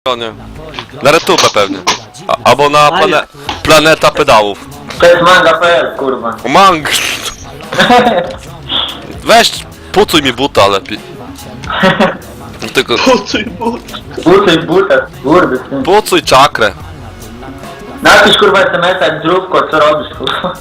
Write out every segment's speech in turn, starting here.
Nie. Na retubę pewnie. Albo na planeta pedałów. To jest manga.pl, kurwa. O, mang! Weź, pucuj mi buta lepiej. Tylko Buty, buta, kurde. pucuj czakrę. Napisz kurwa SMS-a, jak zdrówko, co robisz, kurwa.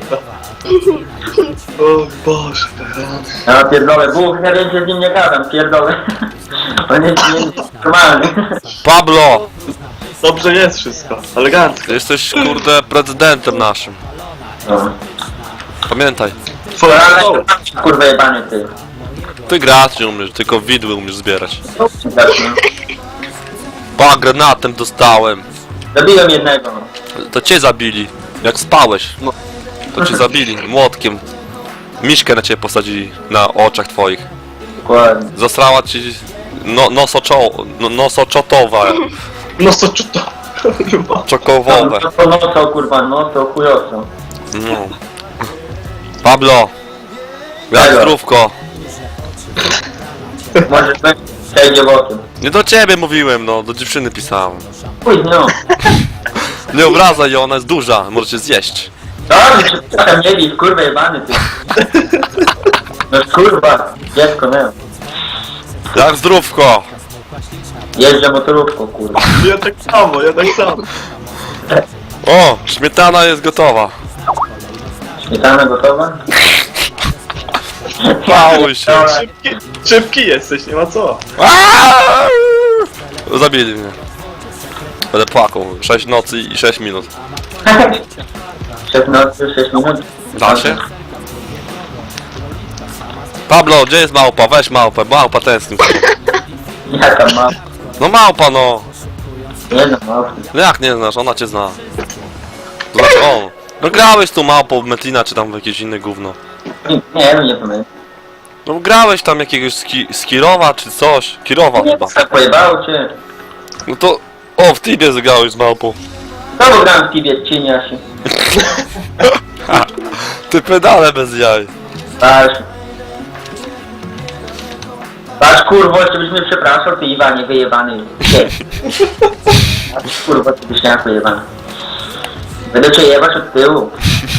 O Boże, teraz. Ja pierdolę, Bóg, ja więcej z nim nie gadam, pierdolę. On jest normalny. Pablo! Dobrze jest wszystko, elegancko. Jesteś kurde prezydentem naszym. No. Pamiętaj. Twoja Ale szkoła. kurwa jebany ty. Ty grać nie umiesz, tylko widły umiesz zbierać. Tak, Pa, granatem dostałem. zabiłem jednego, no. To cię zabili. Jak spałeś. To cię zabili młotkiem. Miśkę na ciebie posadzili na oczach twoich. Dokładnie. Zasrała ci nosoczotowa. No co to? Kurwa. Czokowowe. To nocą, kurwa, nocą, chujowcą. No. Pablo! Jak Czego? zdrówko? Może być przejdzie bokiem. Nie do ciebie mówiłem, no, do dziewczyny pisałem. Chuj, no. Nie obrażaj ją, ona jest duża, możecie zjeść. Dobrze, przepraszam, nie bij, kurwa jebany ty. No kurwa, dziecko, nie. Jak zdrówko? Jeżdżę motorówką, kurwa. Ja tak samo, ja tak samo. O, śmietana jest gotowa. Śmietana gotowa? Pałuj się. Szybki jesteś, nie ma co. Aaaa! Zabili mnie. Będę płakał. 6 nocy i 6 minut. 6 nocy, 6 minut. Da się? Pablo, gdzie jest małpa? Weź małpę, małpa tęskni. Jaka ma? No małpa no! Nie no, małpy. No jak nie znasz, ona cię zna. To znaczy on. No grałeś tu małpą w Metlina czy tam w jakieś inne gówno. Nie, no nie pamiętam. No grałeś tam jakiegoś Skirowa czy coś. Kirowa Nie, chyba. tak pojebało cię. No to... O, w Tibie zagrałeś z małpą. Znowu grałem w Tibie, cieniasie. Ty pedale bez jaj. Patrz. Patrz kurwo, jeszcze byś mnie przepraszał, ty Iwanie wyjebany. Nie. Patrz kurwo, ty byśniaku jebany. Będę cię jebać od tyłu.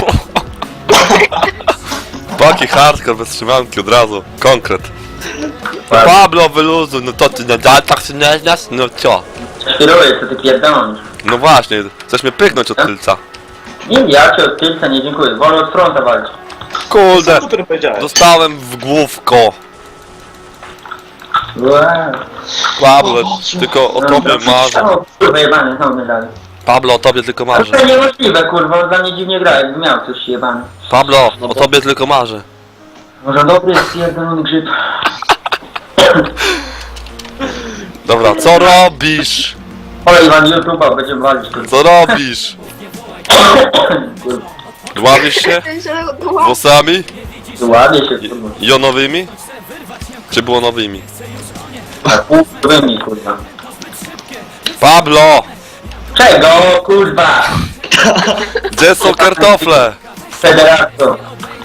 Taki hardcore bez trzymanki od razu. Konkret. Pablo wyluzuj, no to ty nadal tak się nie znasz? No co? Świruję, co ty pierdolisz. No właśnie, chcesz mnie pyknąć od tylca. Nie, ja cię od tylca nie dziękuję. Wolę od fronta walczyć. Kurde, Co ty powiedziałeś? dostałem w główko. Wow. Pablo, tylko o tobie marzę. O, kurwa jebany, znowu medali. Pablo, o tobie tylko marzę. To niemożliwe, kurwa, on dla mnie dziwnie gra, jakby miał coś jebany. Pablo, o tobie tylko marzę. Może dobry jest pierdolony grzyb. Dobra, co robisz? Ale Iwan, YouTube'a będziemy walić, kurwa. Co robisz? Kurwa, Dławisz się? Włosami? ładnie się, kurwa. Jonowymi? Czy było nowymi? A półwymi, kurwa. Pablo! Czego, kurwa? Gdzie są kartofle? Federato.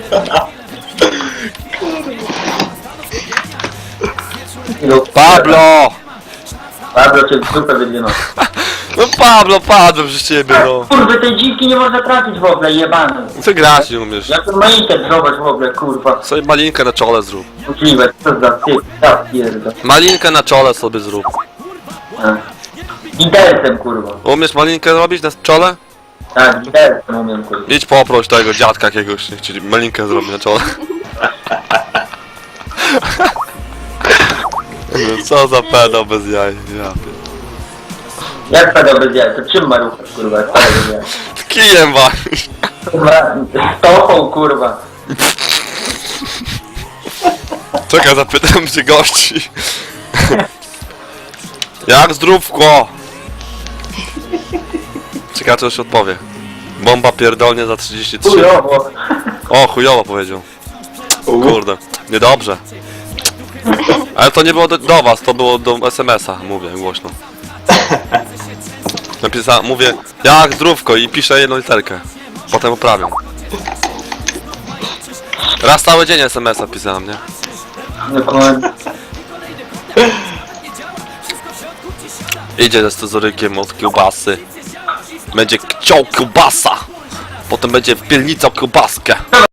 Pablo! Pablo cię w dupę wydwinął. No Pablo, padłem przez ciebie, no. Kurwa, tej dziwki nie można trafić w ogóle, jebany. Co grać nie umiesz? Jak ten malinkę zobacz w ogóle, kurwa. Sobie malinkę na czole zrób. Możliwe, co za ty, ja pierdol. Malinkę na czole sobie zrób. Gidersem, kurwa. Umiesz malinkę robić na czole? Tak, gidersem umiem, kurwa. Idź poproś tego dziadka jakiegoś, niech ci malinkę zrobi na czole. No co za pedał bez jaj, ja pier- Jak padał bez jaj, to czym ma ruchać, kurwa, jak padał bez jaj? Kijem walisz. Kurwa, stopą, kurwa. Czekaj, zapytam się gości. Jak zdrówko? Ciekawe, co już odpowie. Bomba pierdolnie za 33. Chujowo. O, chujowo powiedział. Kurde, niedobrze. Ale to nie było do was, to było do SMS-a, mówię głośno. Mówię, jak zdrówko i piszę jedną literkę. Potem poprawiam. Raz cały dzień SMS-a pisałem, nie? Dokładnie. Idzie ze scyzorykiem od kiełbasy. Będzie chciał kiełbasa. Potem będzie pielnicał kiełbaskę.